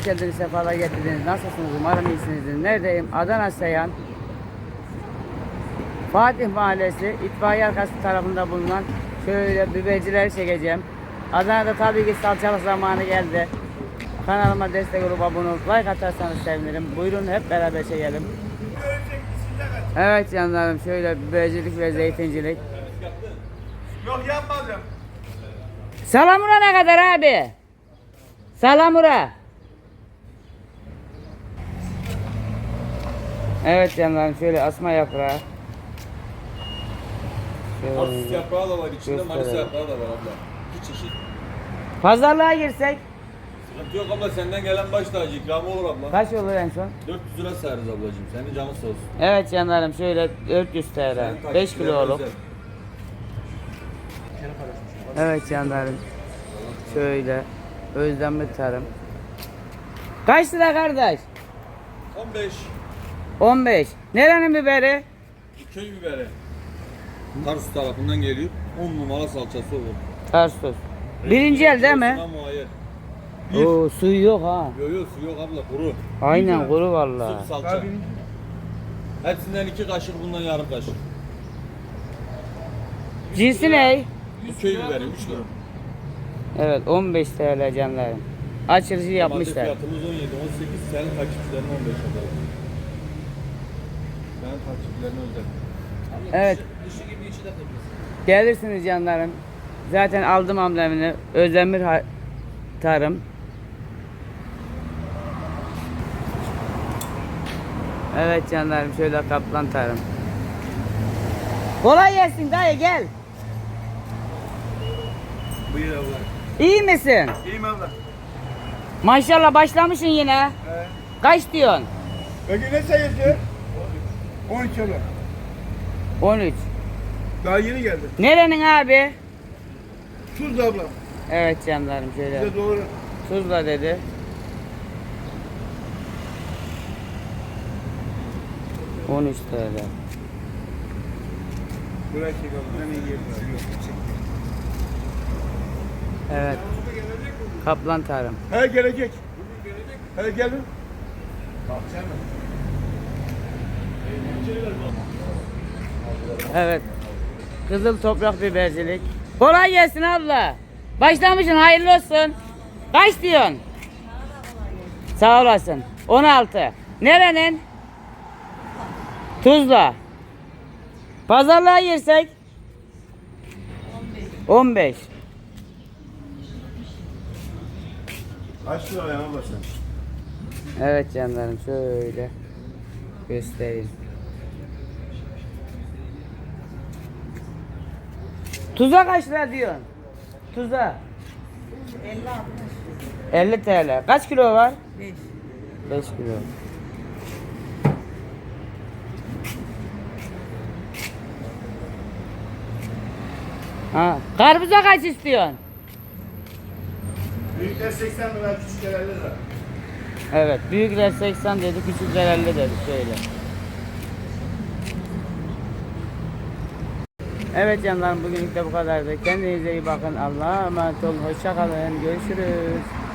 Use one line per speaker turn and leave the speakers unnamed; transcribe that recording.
hoş geldiniz, sefalar getirdiniz. Nasılsınız? Umarım iyisinizdir. Neredeyim? Adana Seyhan. Fatih Mahallesi, itfaiye arkası tarafında bulunan şöyle bibercileri çekeceğim. Adana'da tabii ki salçalık zamanı geldi. Kanalıma destek olup abone olup like atarsanız sevinirim. Buyurun hep beraber çekelim. Evet canlarım, şöyle bibercilik ve zeytincilik.
Yok yapmadım.
Salamura ne kadar abi? Salamura. Evet canlarım, şöyle asma yaprağı.
Tarsus yaprağı da var içinde,
Gösterelim.
Manisa yaprağı da var abla. İki çeşit.
Pazarlığa girsek
Sıkıntı yok abla, senden gelen baş tacı ikramı olur abla.
kaç olur en son?
400 lira sayarız ablacığım, senin canın sağ olsun.
Evet canlarım, şöyle 400 TL,
Senin
5
takipçilerine
kiloluk.
özel.
Evet canlarım, şöyle Özdemir Tarım. Kaç lira kardeş?
15
15. Nerenin biberi?
köy biberi. Tarsus tarafından geliyor. 10 numara salçası olur.
Tarsus. Birinci el değil mi?
Şuna muayyer.
Oo, suyu yok ha.
Yok su yok abla, kuru.
Aynen kuru vallahi.
Sırf salça. Hepsinden 2 kaşık, bundan yarım kaşık.
Cinsi ne?
Bu köy biberi 3 lira.
Evet 15 TL canlarım. Açılışı yapmışlar.
Fiyatımız 17, 18, senin takipçilerin 15 abla. Senin takipçilerine özel.
Evet. Gelirsiniz canlarım. Zaten aldım amblemini. Özdemir Tarım. Evet canlarım, şöyle Kaplan Tarım. Kolay gelsin dayı, gel.
Buyur abla.
İyi misin?
İyiyim abla.
Maşallah başlamışsın yine. Kaç diyorsun?
Peki ne sayısı? 13 abla.
13.
Daha yeni geldi.
Nerenin abi?
Tuzla abla.
Evet canlarım, şöyle.
Bize doğru.
Tuzla dedi. ...13 TL.
Buraya çek abla. Hemen yiyelim.
Evet. Kaplan Tarım.
He gelecek. He gelin.
Evet. Kızıl toprak bibercilik. Kolay gelsin abla. Başlamışsın, hayırlı olsun. Kaç diyorsun? Sağ olasın. 16. Nerenin? Tuzla. Pazarlığa girsek? 15.
Kaç lira abla sen?
Evet canlarım, şöyle göstereyim. Tuza kaç lira diyorsun? Tuza. 50 TL. Kaç kilo var? 5. 5 kilo. Ha, karpuza kaç istiyorsun?
Büyükler 80 lira, küçükler 50 lira.
Evet, büyükler 80 dedi, küçükler 50 dedi, şöyle. Evet canlarım, bugünlük de bu kadardı. Kendinize iyi bakın. Allah'a emanet olun. Hoşça kalın. Görüşürüz.